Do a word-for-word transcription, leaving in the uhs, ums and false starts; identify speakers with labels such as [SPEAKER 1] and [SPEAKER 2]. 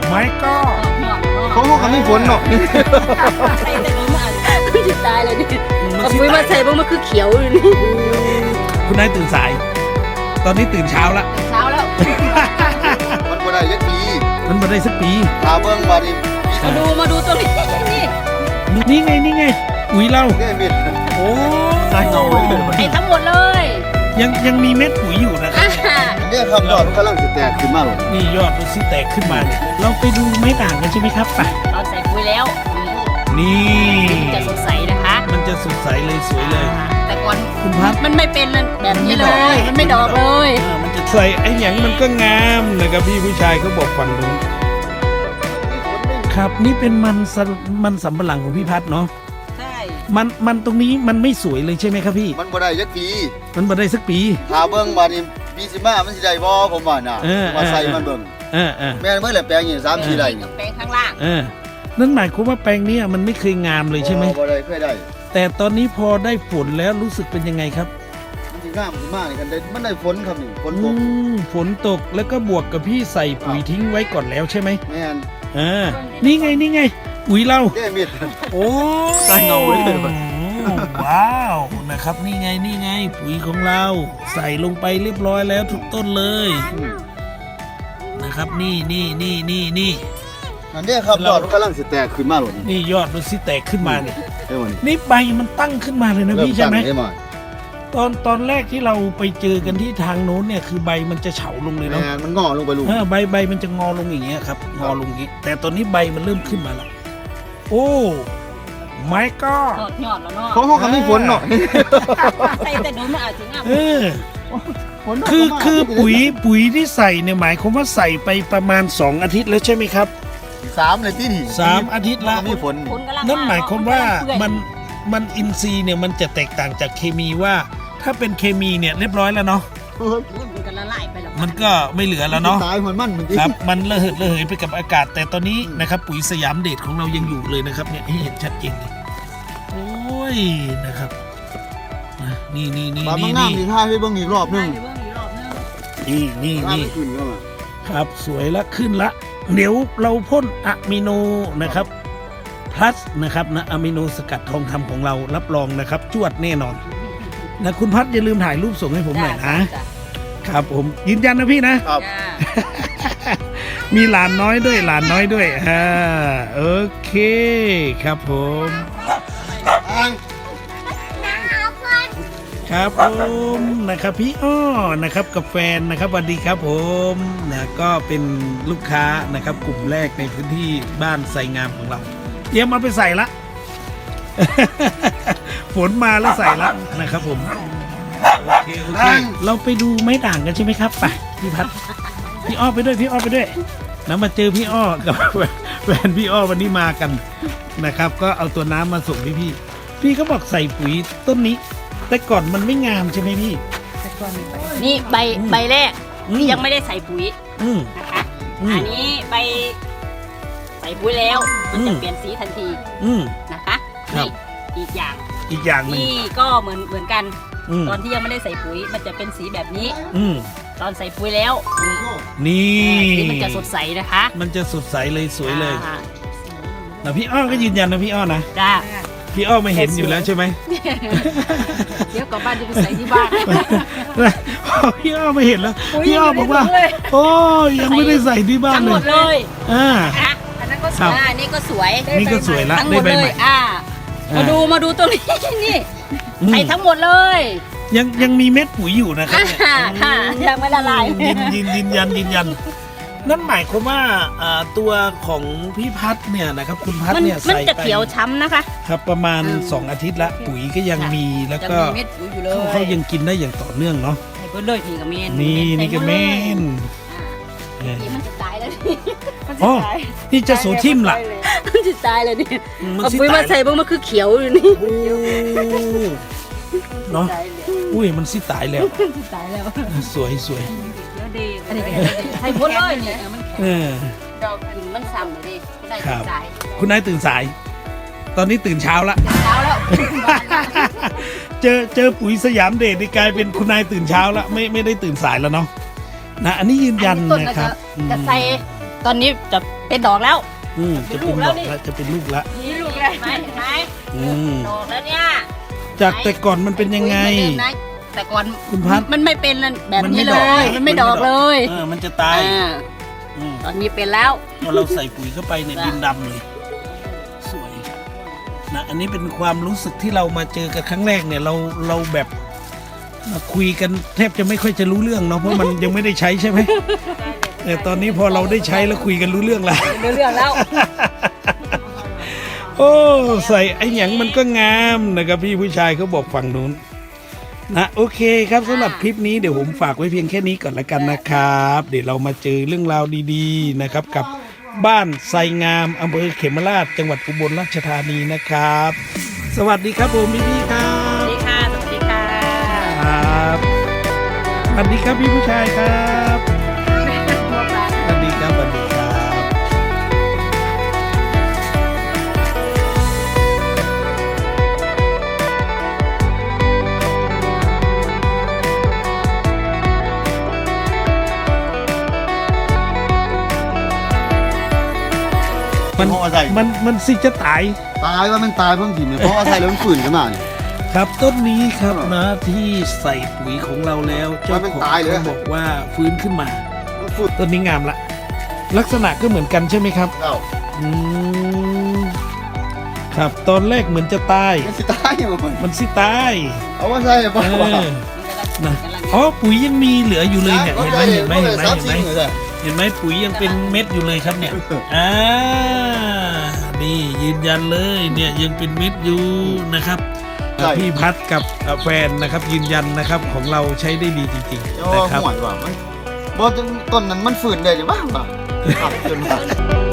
[SPEAKER 1] ไม่ก็
[SPEAKER 2] เขาเขาไม่ฝนหรอก
[SPEAKER 3] ใส่แต่มันมันจะตายเลยเนี่ยเอาปุ๋ยมาใส่บ้างมันคือเขียวอยู่นี่
[SPEAKER 1] คุณนายตื่นสายตอนนี้ตื่นเช้าละ
[SPEAKER 3] เช้าแล้ว
[SPEAKER 2] มันบ่ได้ยักปี
[SPEAKER 1] มันบ่ได้สักปี
[SPEAKER 2] ตาเบิ้งมาดิ
[SPEAKER 3] มาดูมาดูตัวนี้
[SPEAKER 1] นี่ไงนี่ไงปุ๋ยเรา
[SPEAKER 2] เนี่ยเม็ด
[SPEAKER 1] โอ้
[SPEAKER 2] ใส่เงาเลย
[SPEAKER 3] ไอ้ทั้งหมดเลย
[SPEAKER 1] ยังยังมีเม็ดปุ๋ยอยู่นะครับ
[SPEAKER 2] เนี่ยครับยอดกำลังจะแตกขึ้นมาหรอ
[SPEAKER 1] นี่ยอดมันสิแตกขึ้นมาเนี่ยเราไปดูไม้ด่างกันใช่ไหมครับไป
[SPEAKER 3] เราใส่ปุ๋ยแล้ว
[SPEAKER 1] นี่
[SPEAKER 3] มันจะสดใสนะคะ
[SPEAKER 1] มันจะสดใสเลยสวยเลย
[SPEAKER 3] แต่ก่อน
[SPEAKER 1] คุณพัด
[SPEAKER 3] มันไม่เป็นแบบนี้เลยมันไม่ดอกเลย
[SPEAKER 1] มันจะใส่ไอ้หยังมันก็งามนะครับพี่ผู้ชายเขาบอกฝั่งนู้นครับนี่เป็นมันมันสำปะหลังของพี่พัดเนาะ
[SPEAKER 3] ใช่
[SPEAKER 1] มันมันตรงนี้มันไม่สวยเลยใช่ไหมครับพี่
[SPEAKER 2] มันบ่ได้ยักปี
[SPEAKER 1] มันบ่ได้สักปี
[SPEAKER 2] ตาเบิ้งมาดิปีสิมามันสิได้บ่ผมว่าน่ะมาใส่มันเบิ้ง
[SPEAKER 1] เออเออ
[SPEAKER 2] แม่เมื่อไหร่แปลงอย่างสามสี่ไร่
[SPEAKER 3] แปลงข้างล่าง
[SPEAKER 1] เออนั่นหมายความว่าแปลงนี้มันไม่เคยงามเลยใช่ไหม
[SPEAKER 2] บ่ได้เคยได้
[SPEAKER 1] แต่ตอนนี้พอได้ฝนแล้วรู้สึกเป็นยังไงครับ
[SPEAKER 2] มันสิงามมากเลยกันได้มันได้ฝนครับนี่ฝนตก
[SPEAKER 1] ฝนตกแล้วก็บวกกับพี่ใส่ปุ๋ยทิ้งไว้ก่อนแล้วใช่ไหม
[SPEAKER 2] แม่น
[SPEAKER 1] อ่านี่ไงนี่ไงปุ๋ยเรา
[SPEAKER 2] เนี่ยเม็ด
[SPEAKER 1] โอ้
[SPEAKER 2] ใส่เงาเลย
[SPEAKER 1] ว้าวนะครับนี่ไงนี่ไงปุ๋ยของเราใส่ลงไปเรียบร้อยแล้วทุกต้นเลยนะครับนี่นี่นี่นี่นี่
[SPEAKER 2] อันนี้ครับยอดมันกำลังสิแตกขึ้นมาหรอ
[SPEAKER 1] นี่ยอดมันสิแตกขึ้นมาเนี่ยนี่ใบมันตั้งขึ้นมาเลยนะพี่ใช่ไหมตอนตอนแรกที่เราไปเจอกันที่ทางโน้นเนี่ยคือใบมันจะเฉาลงเลยเนาะ
[SPEAKER 2] มันงอลงไปลูก
[SPEAKER 1] ใบใบมันจะงอลงอย่างเงี้ยครับงอลงอย่างงี้แต่ตอนนี้ใบมันเริ่มขึ้นมาแล้วโอ้ไม่ก็
[SPEAKER 3] ยอดแล้วเนาะ
[SPEAKER 2] เขาเขาเขาไม่ฝนหรอก
[SPEAKER 3] ใส่แต่โดนมันอาจจะงาม
[SPEAKER 1] เออคือคือปุ๋ยปุ๋ยที่ใส่เนี่ยหมายความว่าใส่ไปประมาณสองอาทิตย์แล้วใช่ไหมครับ
[SPEAKER 2] สามเลยที่นี่
[SPEAKER 1] สามอาทิตย์ละ
[SPEAKER 2] มีฝน
[SPEAKER 1] นั่นหมายความว่ามันมันอินทรีย์เนี่ยมันจะแตกต่างจากเคมีว่าถ้าเป็นเคมีเนี่ยเรียบร้อยแล้วเนาะมันก็ไม่เหลือแล้วเนาะ
[SPEAKER 2] ตายหัวมัน
[SPEAKER 1] ครับมันระเหิดระเหยไปกับอากาศแต่ตอนนี้นะครับปุ๋ยสยามเดชของเรายังอยู่เลยนะครับเนี่ยให้เห็นชัดเจนเลยโอ้ยนะครับนี่นี่นี่
[SPEAKER 2] นี่นี่นี่ท่าให้เบิ้งอีกรอบนึง
[SPEAKER 1] นี่นี่นี่ครับสวยละขึ้นละเดี๋ยวเราพ่นอะมิโนนะครับพลัสนะครับนะอะมิโนสกัดทองคำของเรารับรองนะครับจวดแน่นอนนะคุณพัดอย่าลืมถ่ายรูปส่งให้ผมหน่อยนะครับผมยืนยันนะพี่นะครับมีหลานน้อยด้วยหลานน้อยด้วยอ่าโอเคครับผมครับผมนะครับพี่อ้อนะครับกับแฟนนะครับสวัสดีครับผมนะก็เป็นลูกค้านะครับกลุ่มแรกในพื้นที่บ้านไซงามของเราเตรียมเอาไปใส่ละฝนมาแล้วใส่ละนะครับผมโอเคโอเคเราไปดูไม้ด่างกันใช่ไหมครับไปพี่พัดพี่อ้อไปด้วยพี่อ้อไปด้วยนะมาเจอพี่อ้อกับแฟนพี่อ้อวันนี้มากันนะครับก็เอาตัวน้ำมาส่งพี่พี่พี่ก็บอกใส่ปุ๋ยต้นนี้แต่ก่อนมันไม่งามใช่ไหมพี่
[SPEAKER 3] นี่ใบใบแรกที่ยังไม่ได้ใส่ปุ๋ยนะคะอันนี้ใบใส่ปุ๋ยแล้วมันจะเปลี่ยนสีทันทีนะคะนี่อีกอย่าง
[SPEAKER 1] อีกอย่าง
[SPEAKER 3] นี่ก็เหมือนเหมือนกันตอนที่ยังไม่ได้ใส่ปุ๋ยมันจะเป็นสีแบบนี้ตอนใส่ปุ๋ยแล้ว
[SPEAKER 1] นี่
[SPEAKER 3] สีมันจะสดใสนะคะ
[SPEAKER 1] มันจะสดใสเลยสวยเลยแต่พี่อ้อก็ยืนยันนะพี่อ้อนะ
[SPEAKER 3] จ้า
[SPEAKER 1] พี่อ้อไม่เห็นอยู่แล้วใช่ไหม
[SPEAKER 3] เดี๋ยวกลับบ้านจะไปใส่ที่บ้าน
[SPEAKER 1] พี่อ้อไม่เห็นแล้วพี่อ้อบอกว่าโอ้ยังไม่ได้ใส่ที่บ้านเลย
[SPEAKER 3] ทั้งหมดเลย
[SPEAKER 1] อ่า
[SPEAKER 3] อันนั้นก็สวยนี่ก็สวย
[SPEAKER 1] นี่ก็สวยละ
[SPEAKER 3] ได้ใบใหม่อ่ามาดูมาดูตรงนี้นี่ใส่ทั้งหมดเลย
[SPEAKER 1] ยังยังมีเม็ดปุ๋ยอยู่นะครับ
[SPEAKER 3] ค่ะยังไม่ละลาย
[SPEAKER 1] ยืนยืนยืนยันยืนยันนั่นหมายความว่าตัวของพี่พัดเนี่ยนะครับคุณพัดเนี่ยใส่ไป
[SPEAKER 3] มันจะเขียวช้ำนะคะ
[SPEAKER 1] ครับประมาณสองอาทิตย์ละปุ๋ยก็ยังมีแล้วก็เขายังกินได้อย่างต่อเนื่องเนาะ
[SPEAKER 3] ใส่ไปเลยนี่ก็เมน
[SPEAKER 1] นี่นี่ก็เมน
[SPEAKER 3] นี่มันจะตายแล้วนี่
[SPEAKER 1] อ๋อนี่จะโซทิมล่ะ
[SPEAKER 3] มันจะตายเลยนี่เอาปุ๋ยมาใส่บ้างมันคือเขียวอยู่นี่
[SPEAKER 1] เนาะอุ้ยมันสิตายแล้ว
[SPEAKER 3] ตายแล้ว
[SPEAKER 1] สวยสวย
[SPEAKER 3] อันนี้ใส่หมดเลยเนี่ยมันแข็งดอกกินมันซ้ำเลยคุณนายตื่นสาย
[SPEAKER 1] คุณนายตื่นสายตอนนี้ตื่นเช้าละ
[SPEAKER 3] เช้าแล้ว
[SPEAKER 1] เจอเจอปุ๋ยสยามเดชนี่กลายเป็นคุณนายตื่นเช้าละไม่ไม่ได้ตื่นสายแล้วเนาะนะอันนี้ยืนยันนะครับ
[SPEAKER 3] จะใส่ตอนนี้จะเป็นดอกแล้ว
[SPEAKER 1] อืมจะเป็นดอกละจะเป็นลูกละ
[SPEAKER 3] นี่ลูกเลยไหมเห็นไหม
[SPEAKER 1] อืม
[SPEAKER 3] ดอกแล้วเนี่ย
[SPEAKER 1] จากแต่ก่อนมันเป็นยังไง
[SPEAKER 3] ปุ๋เหมือนเดิมนะแต่ก่อน
[SPEAKER 1] คุณพัด
[SPEAKER 3] มันไม่เป็นแบบ
[SPEAKER 1] มันไม่
[SPEAKER 3] นี้เล
[SPEAKER 1] ดอก
[SPEAKER 3] ย มันไม่ดอกเลย
[SPEAKER 1] เออมันจะตาย
[SPEAKER 3] อ่า
[SPEAKER 1] อืม
[SPEAKER 3] ตอนนี้เป็นแล้ว
[SPEAKER 1] พอเราใส่ปุ๋ยเข้าไปในย
[SPEAKER 3] จ้ะ
[SPEAKER 1] ดินดำเลย สวยนะอันนี้เป็นความรู้สึกที่เรามาเจอกันครั้งแรกเนี่ยเราเราแบบมาคุยกันแทบจะไม่ค่อยจะรู้เรื่องเนาะเพราะมันยังไม่ได้ใช้ใช่ไหมแต่ตอนนี้พอเราได้ใช้แล้วคุยกันรู้เรื่องแล้ว
[SPEAKER 3] เรื่องแล้ว
[SPEAKER 1] โอ้ใส่ไอ้หยังมันก็งามนะครับพี่ผู้ชายเขาบอกฝั่งนู้นนะโอเคครับสำหรับคลิปนี้เดี๋ยวผมฝากไว้เพียงแค่นี้ก่อนละกันนะครับ เดี๋ยวเรามาเจอเรื่องราวดีๆนะครับ กับบ้านไซงามอำเภอเขมราชจังหวัดอุบลราชธานีนะครับ สวัสดีครับผมพี่พี่ๆครั
[SPEAKER 3] สวั
[SPEAKER 1] บ
[SPEAKER 3] สดีค่ะ สวัสดีค่ะ
[SPEAKER 1] ครับสวัสดีครับพี่ผู้ชายครับสวัสดีครับสวัสดีครับมัน
[SPEAKER 2] เพราะว่าใส่
[SPEAKER 1] มันมันสิจะตาย
[SPEAKER 2] ตายว่ามันตายเพิ่งถิ่นเนี่ยเพราะว่าใส่แล้วมันฝืนขึ้นมาเนี่ย
[SPEAKER 1] ครับต้นนี้ครับ
[SPEAKER 2] เออ
[SPEAKER 1] นะที่ใส่ปุ๋ยของเราแล้วเจ้า
[SPEAKER 2] มันเป็น
[SPEAKER 1] ของ
[SPEAKER 2] ตายเลย
[SPEAKER 1] เขาบอกว่าฟื้นขึ้นมา
[SPEAKER 2] มันฝืน
[SPEAKER 1] ต้นนี้งามละ ลักษณะก็เหมือนกันใช่ไหมครับ
[SPEAKER 2] เอ้า
[SPEAKER 1] อืมครับตอนแรกเหมือนจะตาย
[SPEAKER 2] มันสิตายยังไง
[SPEAKER 1] มันสิตาย
[SPEAKER 2] เอาว่าใส่เพราะ
[SPEAKER 1] เอ
[SPEAKER 2] ว่า
[SPEAKER 1] อนะอ๋อปุ๋ยยังมีเหลืออยู่เลยเนี่ยเห็นไหมเห็นไหมเห็นไหมเห็นไหมเห็นไหมปุ๋ยยังเป็นเม็ดอยู่เลยครับเนี่ยอ่านี่ยืนยันเลยเนี่ยยังเป็นเม็ดอยู่นะครับ
[SPEAKER 2] ใช่
[SPEAKER 1] พี่พัดกับแฟนนะครับ ยืนยันนะครับของเราใช้ได้ดีจริง
[SPEAKER 2] เจ้า
[SPEAKER 1] ๆนะครับ
[SPEAKER 2] ห่วยว่ามันบ่ต้นนั้นมันฝืนได้จังวะว่าขับจนว่า